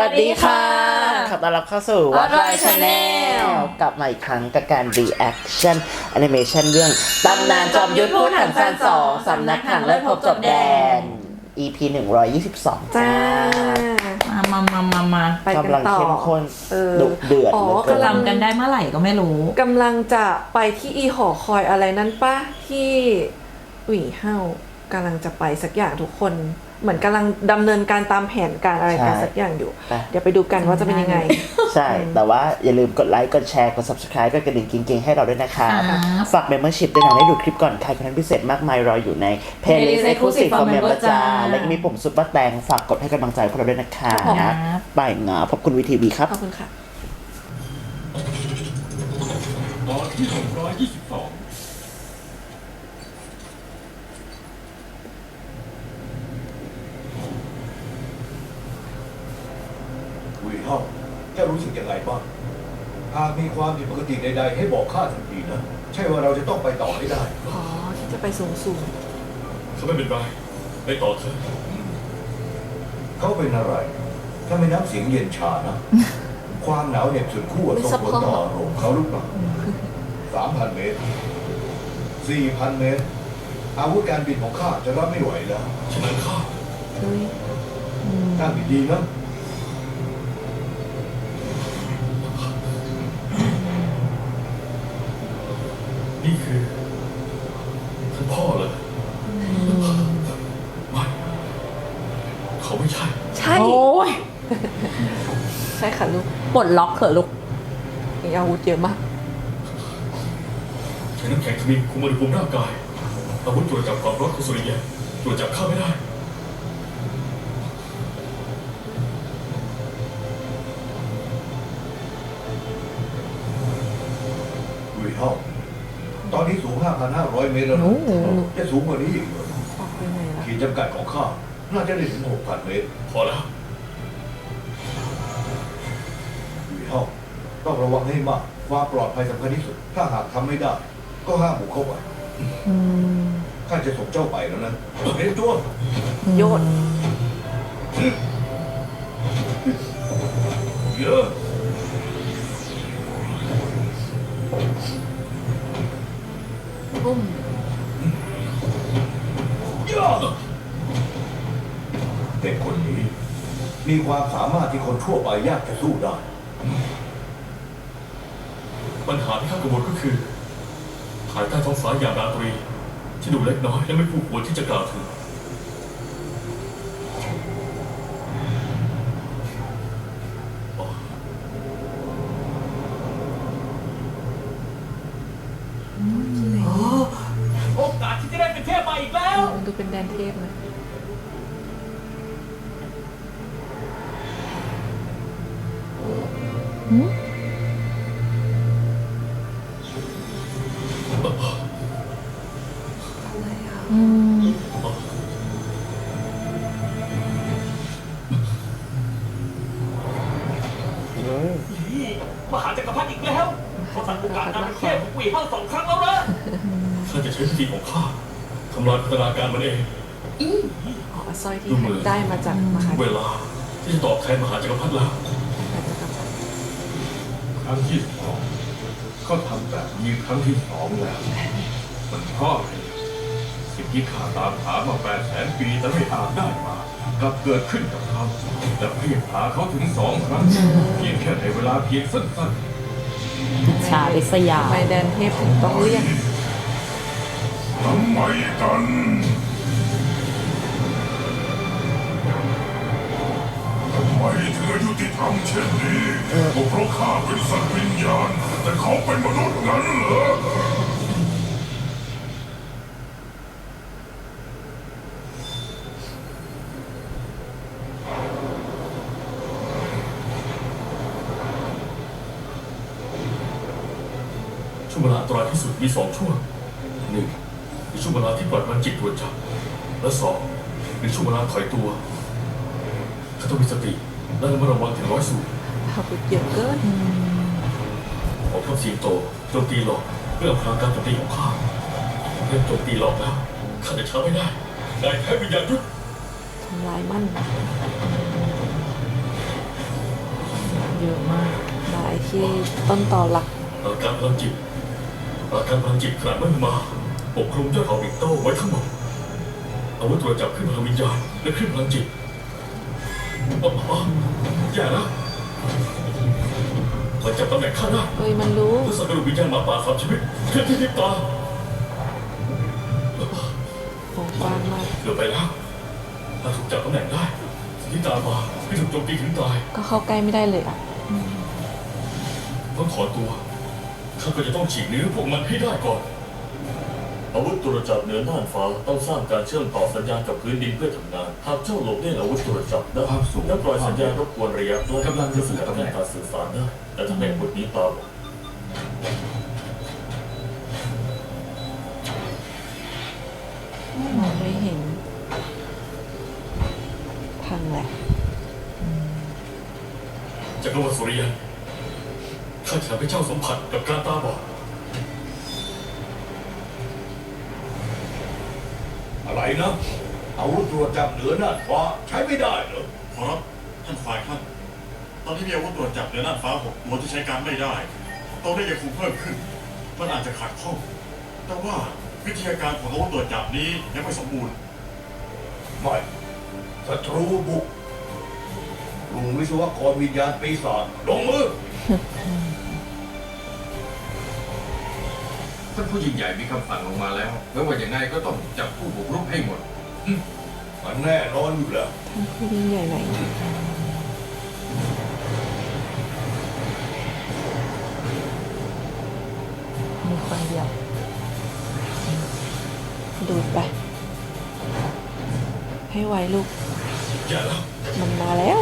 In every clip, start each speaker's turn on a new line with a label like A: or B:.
A: สดีค่ะ
B: ขอต้อนรับเข้าสู่
A: What Right Channel
B: กลับมาอีกครั้งกับการ reaction animation เรื่องตำนานจอมยุทธพูดถังซาน2สำนักถังเลิศพบจบแดน EP 122จ้า
A: มา
C: ไปกัน
B: กำลัง
C: ต่อ
B: เข้มข้น
C: เออ
B: ดุเดือด
C: อ๋อ
B: เหลือเกิน
A: จำกันได้เมื่อไหร่ก็ไม่รู้
C: กำลังจะไปที่อีหอคอยอะไรนั้นปะที่หวี่เฮากำลังจะไปสักอย่างทุกคน เหมือนกำลังดำเนินการตามแผนการอะไรกันสักอย่างอยู่ เดี๋ยวไปดูกันว่าจะเป็นยังไง
B: ใช่ แต่ว่าอย่าลืมกดไลค์ กดแชร์ กด subscribe กดกระดิ่งกิ๊งๆ ให้เราด้วยนะคะ
A: ครับ
B: ฝาก membership ด้วยนะได้ดูคลิปก่อนใครคอนเทนต์พิเศษมากมายรออยู่ใน playlist exclusive for member จ้า และก็มีปุ่มซุปเปอร์แตงฝากกดให้กำลังใจพวกเราด้วยนะคะ
A: ครับ
B: ไปงาพบคุณวีทีวีครับ
C: ขอบคุณค่ะ
D: ตอนที่622วีเฮาแกรู้สึกยังไงบ้างหากมีความผิดปกติใดๆให้บอกข้าทันทีนะ ใช่ว่าเราจะต้องไปต่อให้ได้
C: อ๋อ ที่จะไปสูงสูง
D: เขาไม่เป็นไรไปต่อเถอะเขาเป็นอะไร ถ้าไม่นับเสียงเย็นชานะ ความหนาวเหน็บสุดขั้วส่งผลต่ออารมณ์เขาหรือเปล่า 3,000 เมตร 4,000 เมตร อาวุธการบินของข้าจะรับไม่ไหวแล้วฉะนั้นข้า
C: เฮ้ย
D: ตั้งดีๆนะ นี่คือท่านพ่อเลยไม่เขาไม่ใช่
C: ใช่
A: โอ้ย
C: ใช่ค่ะลูก
A: ปลดล็อกเถอะลูก
C: มีอาวุธเยอะมาก
D: ใช้น้ำแข็งทมินคุมอุณหภูมิร่างกาย อาวุธตรวจจับความร้อนของสุริยะตรวจจับข้าไม่ได้วีเฮาตอนนี้สูง 5,500 เมตรแล้วนะ
A: โอ้โห
D: จะสูงกว่านี้อีกเหรอ
C: ออกไปไหนล่ะ
D: ขีดจำกัดของข้าน่าจะได้ถึง 6,000 เมตร พอแล้ววีเฮาต้องระวังให้มากความปลอดภัยสำคัญที่สุด ถ้าหากทำไม่ได้ ก็ห้ามบุกเข้าไปข้าจะส่งเจ้าไปแล้วนะเตรียมตัว
C: โยน
D: เยอะ
C: อุ้ม
D: เยอะเด็กคนนี้ มีความสามารถที่คนทั่วไปยากจะสู้ได้ ปัญหาที่ข้ากังวลก็คือภายใต้ท้องฟ้ายามราตรี ที่ดูเล็กน้อยและไม่คู่ควรที่จะกล่าวถึง โอกาสที่จะได้เป็นเทพมาอีกแล้ว
C: มันดูเป็นแดนเทพนะ
D: มหาจักรพรรดิอีกแล้วเขาสั่งโอกาสการเป็นเทพของวีเฮา2 ครั้งแล้วนะข้าจะใช้วิธีของข้าทำลายพัฒนาการมันเอง
C: อ๋อสร้อยที่ได้มาจากมหา
D: เวลาที่จะตอบแทนมหาจักรพรรดิแล้ว ครั้งที่ 2เขาทำแบบนี้ครั้งที่ 2แล้ว มันเพราะอะไรสิ่งที่ข้าตามหามา800,000 ปีแต่ไม่อาจได้มากลับเกิดขึ้นกับเขาและเพียงหาเขาถึง2 ครั้งเพียงแค่ในเวลาเพียงสั้น
A: อิจฉาริษยา
C: ทำไมแดนเทพถึงต้องเรียก
D: ๆทำไมกันทำไมถึงอายุติธรรมเช่นนี้ก็เพราะข้าเป็นสัตว์วิญญาณ แต่เขาเป็นมนุษย์งั้นเหรอ ช่วงเวลาอันตรายที่สุดมี2 ช่วง 1. ในช่วงเวลาที่ปล่อยพลังจิตตรวจจับ และ 2. ในช่วงเวลาถอยตัวเขาต้องมีสติและระมัดระวังถึง100 สูตร
C: อาวุธเยอะเกิน
D: ของทัพสิงโตโจมตีหลอกเพื่ออำพรางการโจมตีของข้าเริ่มโจมตีหลอกแล้วข้าจะช้าไม่ได้นายแพ้วิญญาณยุทธ
C: ทำลายมัน
A: เยอะมาก
C: ได้ที่ต้นตอหลัก
E: อาการพลังจิตขนาดมันมาปกคลุมยอดเขาบิกโต้ไว้ทั้งหมดอาวุธตรวจจับขึ้นพลังวิญญาณและขึ้นพลังจิตอย่านะมันจับตำแหน่งข้าได้
C: เอ้ยมันรู้
E: ทดสอบกระดูกวิญญาณหมาป่าสามชีวิตเคลื่อนที่พริบตา
C: โอ้กว้างมาก
E: เกือบไปแล้วถ้าถูกจับตำแหน่งได้สิ่งที่ตามมาไม่ถูกโจมตีถึงตาย
C: ก็เข้าใกล้ไม่ได้เลยอ่ะ
E: ต้องถอนตัวข้าก็จะต้องฉีกเนื้อพวกมันให้ได้ก่อน อาวุธตรวจจับเหนือน่านฟ้าต้องสร้างการเชื่อมต่อสัญญาณกับพื้นดินเพื่อทำงาน หากเจ้าหลบเลี่ยงอาวุธตรวจจับได้และปล่อยสัญญาณรบกวนระยะใกล้กำลังจะสกัดกั้นการสื่อสารได้แต่ทำให้อาวุธนี้ตาบอด
C: มองไม่เห็นพังแหละ
E: จักรวรรดิสุริยันข้าจะทำให้เจ้าสัมผัสกับการตาบอด
D: อะไรนะอาวุธตรวจจับเหนือน่านฟ้าใช้ไม่ได้เหรอ
F: ขอรับท่านฝ่ายท่านตอนนี้มีอาวุธตรวจจับเหนือน่านฟ้า6ตัวที่ใช้การไม่ได้ตัวได้ยังคงเพิ่มขึ้น มันอาจจะขาดข้อง แต่ว่าวิทยาการของอาวุธตรวจจับนี้ยังไม่สมบูรณ์
D: ไม่ศัตรูบุกลุงวิศวกรวิญญาณปีศาจลงมือ
G: ท่านผู้ยิ่งใหญ่มีคำสั่งลงมาแล้วไม่ว่าอย่างไงก็ต้องจับผู้บุกรุกให้หมด
D: มันแน่นอนอยู่แล้ว
C: ท่านผู้ยิ่งใหญ่ไหน
A: มีคนเดียว
C: ดูดไป ให้ไวลูก
E: อย่าแล้ว
C: มันมาแล้ว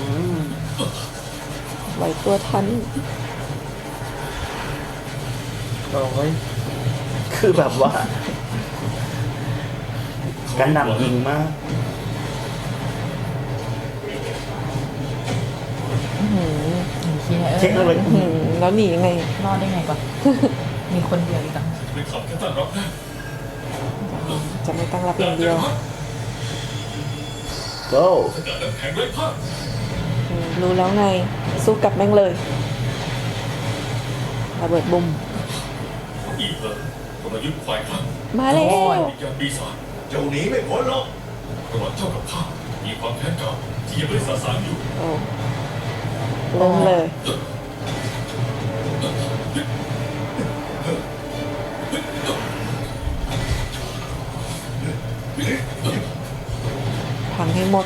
C: ไหวตัวทัน
B: โอ้ยคือแบบว่ากันหนำยิงมาก เช็คเลย
C: แล้วหนียังไง
A: รอดได้ไงก่อน มีคนเดียวอีกต่างหาก
E: เป็นคำแค่ตั้งรับได้
C: จะไม่ตั้งรับอย่างเดียว
B: go
E: สกัดน้ำแข็งไร้ผ้า
C: รู้แล้วไง สู้กับแม่งเลยระเบิดบุม
E: อีเถอะกลยุทธ์ควายข้าง
C: มาแล้ว
E: วิญญาณปีศาจ
D: เจ้าหนีไม่พ้นหรอก
E: ระหว่างเจ้ากับข้ามีความแค้นเก่าที่ยังไม่ได้สาสางอยู่
C: โอ้เริ่มเลย พังให้หมด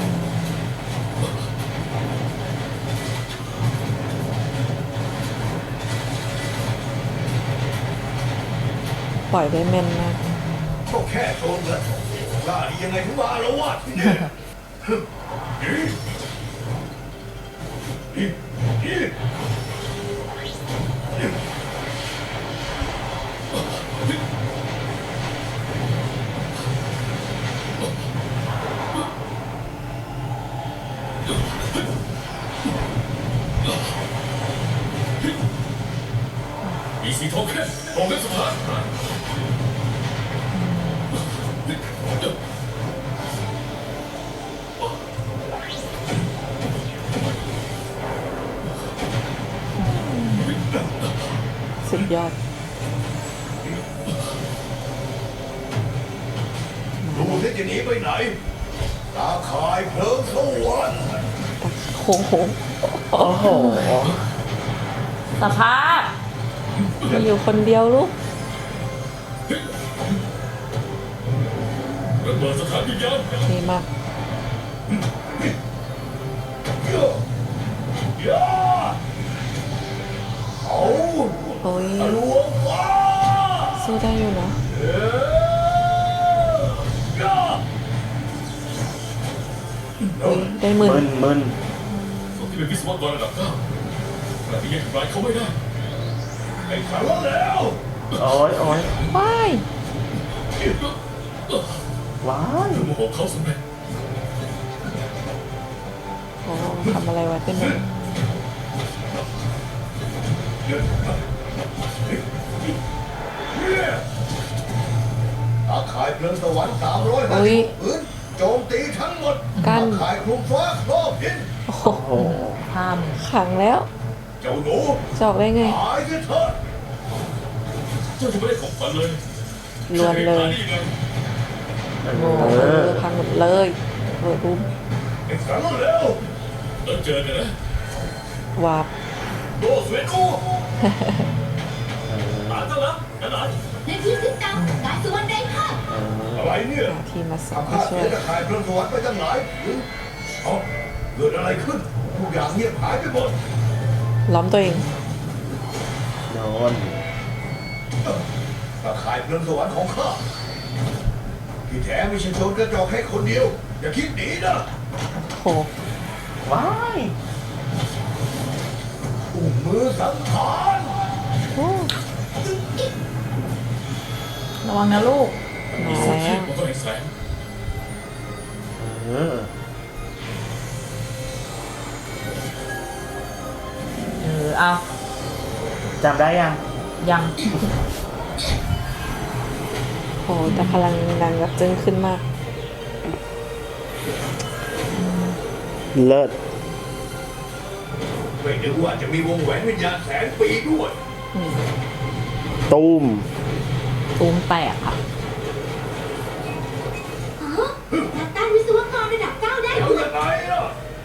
C: ปล่อยได้แม่นมาก
D: ก็แค่โซนเงินกล้าดียังไงถึงมาแล้ววะที่นี่
E: มีสีทองแค่ทองเล็บสุดท้าย
C: สุดยอด
D: ดูที่จะหนีไปไหน ตาข่ายเพลิงสวรรค์
C: โค้งโค้ง
B: โอ้โห
A: สภาพ
C: มีอยู่คนเดียวลูก
E: ระเบิดสถานวิญญาณ
C: ดีมาก
D: เอา
C: โอ้ย
D: หลวงฟ้า
C: สู้ได้อยู่นะ อุ้ยได้หมื่น
B: มึน
E: ส่วนที่เป็นวิศวกรระดับ9ขณะที่ยังทำร้ายเขาไม่ได้
D: ไอ้ขันแล้ว
B: โอ้ย
C: ว้าย
B: ว้าย
E: โมโหเขาสำเร็จ
C: โอ้ทำอะไรไว้เป็นหมด
D: ตาข่ายเพลิงสวรรค์350พื้นโจมตีทั้งหมด
C: กัน
D: ตาข่ายคลุมฟ้าครอบดิน
C: โอ้โห
B: โอ้โห
A: พข้ามเนี่ย
C: ขังแล้ว
D: เจ้าหนู
C: จะออกได้ไง
D: ตายซะเถอะ
E: เจ้าจะไม่ได้ของขวัญเลย
C: ลวนเลย
E: ได้ยังไง
C: โอ้โหพังหมดเลยเปิดปุ๊บ
D: ไอ้สันแล้ว
E: แล้วเจอกันนะ
C: วาบ
E: โลกสวยกูตามเจ้าแล้วกันไหน
H: ในที่สิบตังกายสุวรรณไร้ภาพ
D: อะไรเนี่ย
C: หาทีมมาสอ
D: ทำ
C: มา
D: ข้า
C: ช่
D: เสี
C: วย ย
D: ตะข่ายพระสวรรค์ไปตั้งหลายผืนเอ้าเกิดอะไรขึ้นทุกอย่างเงียบหายไปหมด
C: ล้อมตัวเอง
B: โดน
D: ตะข่ายพระสวรรค์ของข้าที่แท้ไม่ใช่โจรกระจอกแค่คนเดียว อย่าคิดหนีนะ
C: โห
B: ว้าย
D: อุ้มมือสังหาร
A: ระวังนะลูก
C: มาแล้ว
E: มันก็เห็นแสง
B: เออ
A: เอา
B: จำได้ยัง
A: ยัง
C: โหแต่พลังดังแบบจึ้งขึ้นมาก
B: เลิศ
D: ไม่นึกว่าจะมีวงแหวนวิญญาณแสนปีด้วย
B: ตุ้ม
A: ตูมแตกค่ะ
H: นักต้านวิศวกรระดับ 9 ได้
D: เดี๋ยว
H: ด้วย
D: ยังไงล่ะ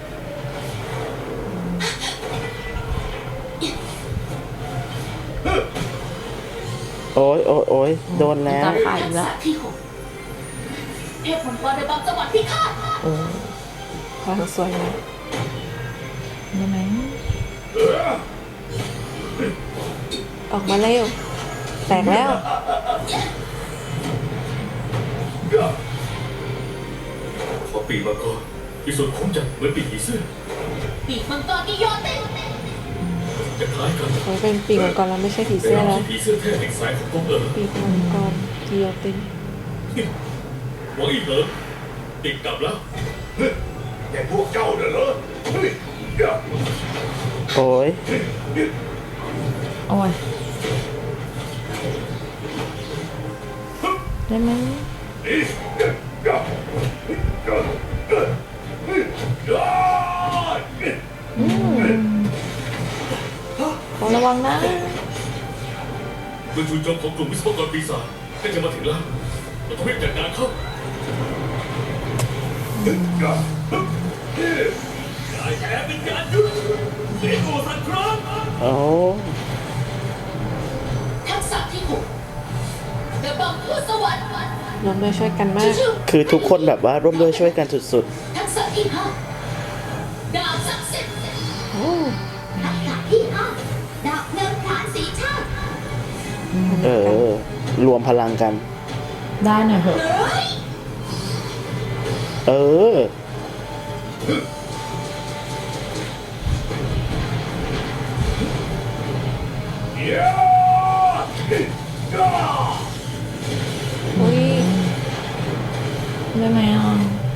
B: โอ้ยโอ้ยโอ้ยโดนแล้ว
A: ตาข่ายอีกแล้ว
H: ทักษะที่ 6 เทพมังกรระบำจังหวัดพิฆาต
C: โอ้พลังสวยนะ
A: ได้ไหม
C: ออกมาเร็ว แตกแล้ว
E: ขอปีมาก่อนที่สุดผมจะเหมือนปีกผีเสื้อ
H: ปีกมังกรกิโยติน
E: จะคล้ายกัน
C: โอ้ยเป็นปีกมังกรแล้วไม่ใช่ผี
E: แต่
C: เสื้อ
E: เรา
C: แล้ว
E: ที่ผีเสื้อแท้แห่งสายของกองเอ๋อ
C: ปีกมังกรกิโยติน
E: หวังอีกเหรอติดกลับแล้ว
D: แต่พวกเจ้าน่ะเหรอเฮ้ยเดี๋ยว
B: โอ้ย
A: โอ้ย ได้ไหม
D: นี่เดี๋ยวเดี๋ยวเดี๋ยวเดี๋ยวเดี๋ยว
A: ระวังนะ
E: เมื่อจู่โจมของกลุ่มวิศวกรปีศาจก็จะมาถึงแล้วเราต้องรีบจัดการเขากายแท้เป็นการยุดเสียโกสันคราม
B: โอ้
H: ทักษะที่ 6 ระบำผู้สวรรค์
C: ร่วมด้วยช่วยกันมาก
B: คือทุกคนแบบว่าร่วมด้วยช่วยกันสุด
H: ทักษะที่ 5 ดาบศักดิ์สิทธิ์
C: โอ้
H: ทักษะที่ 5 ดาบเนินผานสีชาติ
B: ๆ เออ รวมพลังกัน
A: ได้หน่อยเถอะ
H: เฮ้ย
B: เออ
C: อุ้ย
A: ได้ไหมอ่ะ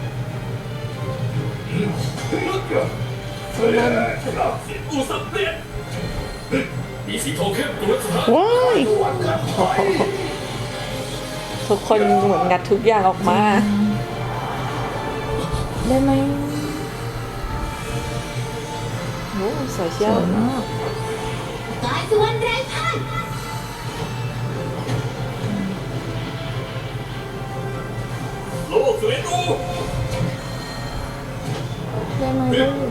E: อูสับเปลี่ยนมีสีทองเข้มกรุสถาน
B: ว้าย
C: ทุกคนเหมือนงัดทุกอย่างออกมา
A: ได้ไหม
C: โอ้สวย
A: ส
C: เชียว
A: วยมาก
H: กายสุวรรณไร้พ่าย
E: โลกสวยดู
A: ได้ไหมลูก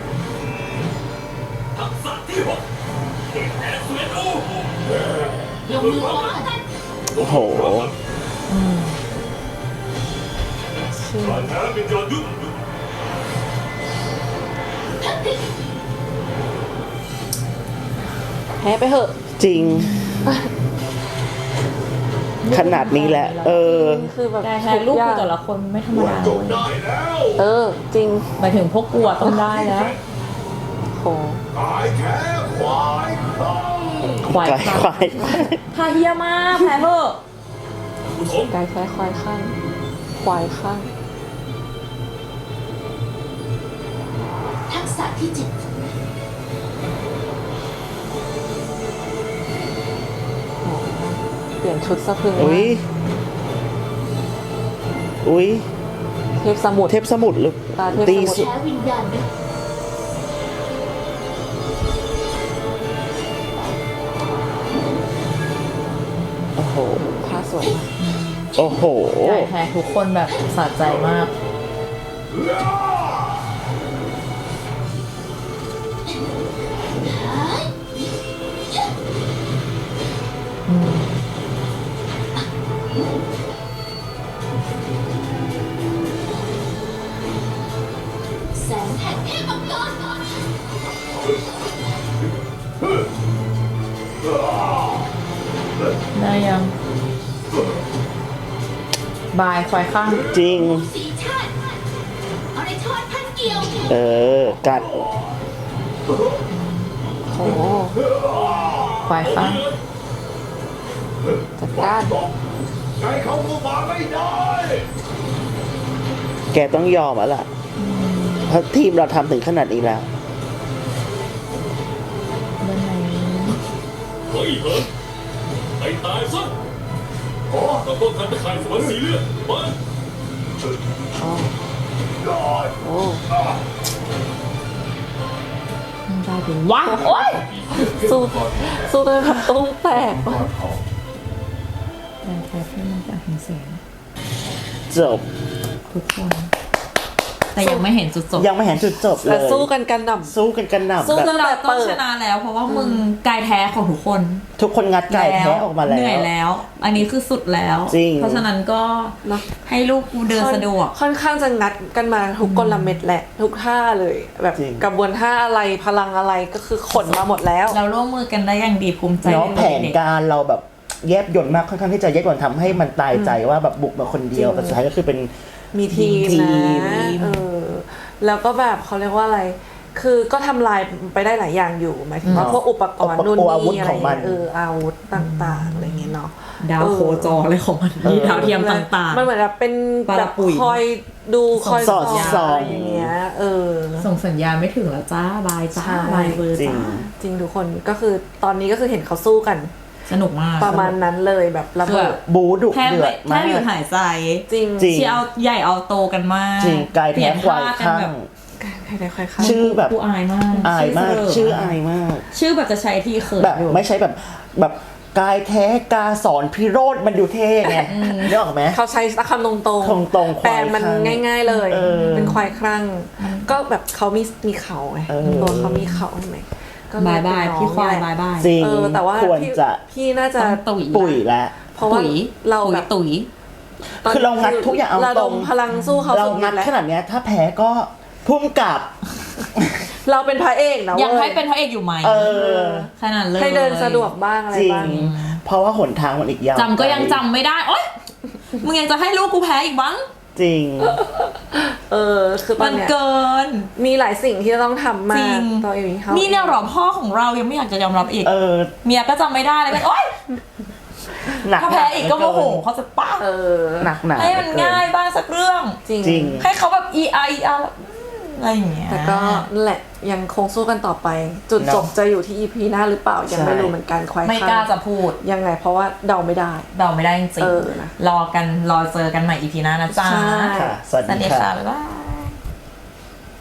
E: ทักษะที่หกเด็กแท้สวยดู
H: ลงมือพร้อมกัน
B: โอ้โห
C: ชื่อ
E: การแท้เป็นการยุด
C: แพ้ไปเหอะ
B: จริง ขนาดนี้แหละ เออ
C: คือแบบ
A: แต่แพ้ลูกกูแต่ละคนไม่ธรรม
D: วัน
A: ดา
D: จ
A: เล
D: บ
A: ย
D: ได้แล้ว
C: เออ จริง
A: หมายถึงพวกกูอะต้องได้แล้ว
C: โห
D: ตายแท้ควายข้าง
A: ควาย
B: ไกลควาย
A: พาเฮียมากแพ้เถอะ
E: อุทม
C: กายแค่ควายข้างควายข้าง
H: ทักษะที่ 7
C: เปลี่ยนชุดสะพรึง
B: อุ้ย อุ้ย
C: เทพสมุทร
B: เทพสมุทรหรือ
C: ตาเทพสมุทร
B: ตีสุด
H: แพ้วิญญาณนะ
C: พาสวยมาก
B: โอ้โห
A: ใหญ่แพ้ทุกคนแบบสะใจมาก
H: แสงแห่งเทพมังกร
A: ได้ยัง บายควายข้าง
B: จริง
H: สีชาติเอาในทอดพันเกี่ยว
B: กัด
C: โอ้โห
A: ควายข้าง
C: จัดการ
D: ใจเขาก็มาไม่ได้
B: แกต้องยอมแล้วล่ะ เพราะทีมเราทำถึงขนาดนี้แล้ว
A: เรื่องไหน
E: เฮ้ยเฮ้ยไอ้ตายซะเราต้องการตะข่ายสวนสีเลือดมา
C: โอ้
A: มันได้เป็นว้าโอ๊ย
C: สู้สู้จนแบบตุ้งแตก
A: แรงแพ้ที่มันจะเห็นแสง
B: จบ
A: ทุกคน แต่ยังไม่เห็นจุดจบ
B: ยังไม่เห็นจุดจบเล
C: แต่
B: ย
C: สู้กันกันหน่ำ
B: สู้กันกันหนับ
A: สู้
B: แบ
A: จ
B: บ
A: นเราต้องชนะแล้ว เพราะว่ามึงกายแท้ของทุกคน
B: ทุกคนงัดไก่แท้ออกมาแล้ว
A: เหนื่อยแล้ว อันนี้คือสุดแล้ว
B: จริง
A: เพราะฉะนั้นก็
C: เนอะ
A: ให้ลูกกูเดินสะดวก
C: ค่อนข้างจะงัดกันมาทุกกลเม็ดแหละ ทุกท่าเลย แบบ
B: จริง
C: กระบวนท่าอะไรพลังอะไรก็คือขนมาหมดแล้ว
A: เราร่วมมือกันได้อย่างดีภูมิใจ
B: เนาะ
A: ใน
B: แผน
A: เด็ก
B: การเราแบบแยบยลมากค่อนข้างที่จะแยบยลทำให้มันตายใจว่าแบบบุกมาคนเดียว
C: จริง
B: แต่สุดท้ายก็คือเป็น
C: มีทีม
B: ที
C: นะ
B: ม
C: แล้วก็แบบเขาเรียกว่าอะไร คือก็ทำลายไปได้หลายอย่างอยู่หมายถึงว่าพวกอุปกรณ์นู่น
B: อาวุธ
C: นี่อะไร
B: ของมัน
C: อาวุธต่างๆอะไรเงี้ยเนาะ
A: ดาวโคจรอะไรของมันมีดาวเทียมต่าง
C: มันเหมือนแบบเป็น
A: ปลา
C: แบบ
A: ปุ๋ย
C: คอยดูคอย
B: สอดส่อง
C: อะไรอย่างเงี้ย
A: ๆ ส่งสัญญาณไม่ถึงแล้วจ้าบายจ้า
C: ใช่
A: บายเบอร์
B: จริง
A: จ้า
C: จริงทุกคนก็คือตอนนี้ก็คือเห็นเขาสู้กัน
A: สนุกมาก
C: ประมาณนั้นเลยแบบระ
A: คือ
C: เบิ
A: แบ
C: ด
A: บ
B: บูดุ
A: แทบ
B: เดือ
A: ไม่
B: ด
A: แท
B: มาก
A: บหยุดหายใจ
C: จริง
B: จริง
A: ที่เอาใหญ่เอาโตกันมาก
B: จริงกายแท้ควายข้าง
C: ใครได้ใครเข้า
B: ชื่อแบบ
A: กูอายมาก
B: อายมาก
A: เสล
B: ชื่ออายมาก
A: ชื่อแบบจะใช้ที่เขิน
B: แบบ
A: อยู่
B: ไม่ใช่แบบกายแท้กาสอนพิโรธมันดูเท่ไงนึกออกไหม
C: เขาใช้คำตรงๆ
B: ตรงๆควาย
C: แปลมัน
B: คลั่ง
C: ง่าย ๆเลย เป็นควายครั่ง ก็แบบเขามีเขาไง
B: เออ
C: ตัวเขามีเขาใช่ไหมก็เล
A: บายบาย
C: เป็นน้อง
A: พี่ควาย
C: นี่แห
A: บา
C: ละ
A: ยบาย
B: จริง
C: แต่ว่า
B: ควรจะ
C: พี่น่าจะ
A: ต้องตุ๋ย
B: ปุ๋ยแล้ว
C: เพราะว่า
A: ตุ๋ย
C: เราแบบ
A: ตุ๋ย
B: คือเรางัดทุกอย่างเอา
C: ระ
B: ต
C: ด
B: ร
C: ม
B: ง
C: พลังสู้เขา
B: เรา
C: สุด
B: งัด
C: แล้ว
B: ขนาดเนี้ยถ้าแพ้ก็พุ่มกลับ
C: เราเป็นพระเอกนะ
A: ยัง
C: ว้
A: ให้เป็นพระเอกอยู่ไหม
B: เออ
A: ขนาดเลย
C: ให้เดินสะดวกบ้างอะไร
B: จริง
C: บ้าง
B: เพราะว่าหนทางมันอีกยาว
A: จำก็ยังจำไม่ได้โอ๊ยมึงยังจะให้ลูกกูแพ้อีกบ้าง
B: จริง
C: คือตอ
A: มัน น
C: เนี้ย
A: เกิน
C: มีหลายสิ่งที่จะต้องทำมา
A: จริง
C: ตัวเองเขา
A: นี่เนี่ยเหรอพ่อของเรายังไม่อยากจะยอมรับอีก เมียก็จำไม่ได้เลยก็โอ๊ย
B: หนัก
A: ถ้าแพ้อีกก็โมโหเขาจะป้า
B: หนักหนา
A: ให้มันง่ายบ้างสักเรื่อง
C: จริง
B: จริง
A: ให้เขาแบบ ER อะไรอย่างเงี้ย
C: แต่ก็นั่นแหละยังคงสู้กันต่อไป จุดจบจะอยู่ที่ EP หน้าหรือเปล่ายังไม่รู้เหมือนกันควาย
A: ไม่กล้าจะพูด
C: ยังไงเพราะว่าเดาไม่ได้
A: เดาไม่ได้จริง
C: นะ
A: ๆรอเจอกันใหม่ EP หน้านะจ๊ะ
C: ใช่
B: ค่ะ สวัสดีค่ะ
A: บ๊ายบาย